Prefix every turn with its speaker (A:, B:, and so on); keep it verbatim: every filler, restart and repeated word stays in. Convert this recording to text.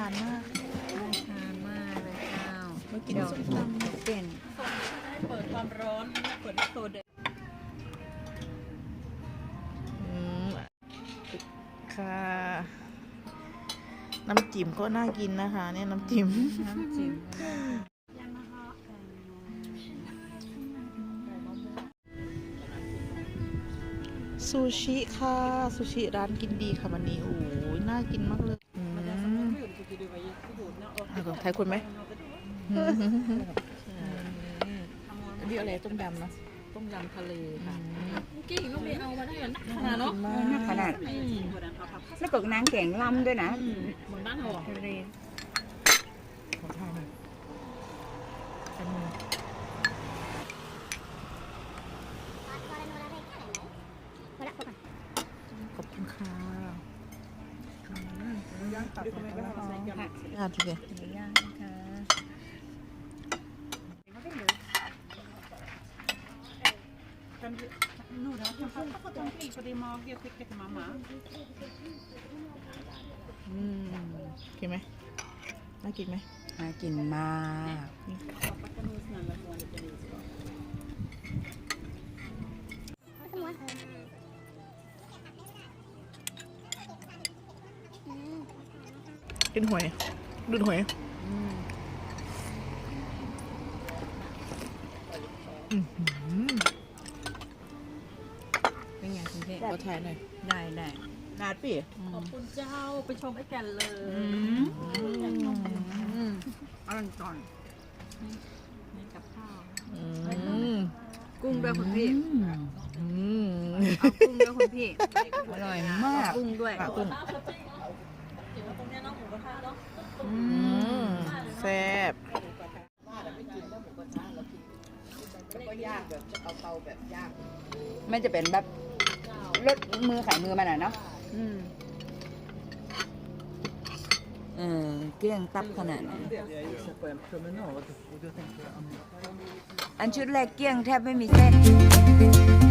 A: านมากน่าทานมากเลยเจ้าเมื่อกี้ส้มตำเป็น
B: เปิดความร้อนเปิดโซเด
A: อืมค่ะน้ำจิ้มก็น่ากินนะคะเนี่ยน้ำจิ้มน้ำจิ้มซูชิค่ะซูชิร้านกินดีค่ะวันนี้โอ้ยน่ากินมากเลยอืมเอาไทยคุณไหมอันนี้อะไรต้มยำเนาะ
B: ต้มยำทะเลค่ะกี่ลูกเดียวเอามาได้นักขนาดเนาะ
C: นักขนาดแล้วก็นางแกงลำด้วยนะ
B: เหมือนบ้านเราทะเล
A: ขอทานหน่อยอันนี้ขอบคุณค่ะย่างตับอ่ะทีเดียว
C: ย่างนะคะ
B: นู่นนะเขาก็ต้องปีพอดีมอเกี่ยวกับมาหมา
A: อืมกินไหมน่ากินไหม
C: น่ากินมาก
A: กินหวยดูหวย
C: เป็นไงคุณเพ่
A: ก็ถ่ายหน่อย
C: ได้ได้
A: นาดปี
B: ขอบคุณเจ้าไปชมไอ้แก่นเลย
C: อร่อยก่อน
B: นี่กับข้าว
C: กุ้งด้วยคุณพี่
A: เอา
C: กุ้งด้วยคุณพี่อร่อยมากกุ้งด้วย
A: กุ้ง
B: ตรงนี้น้องหมูกระทะเนาะ
A: แซ่บ
C: ไม่จะเป็นแบบรสมือขายมือมันอ่ะเนาะเออเกลี้ยงตับขนาดนั้นอันชุดแรกเกลี้ยงแทบไม่มีเส้น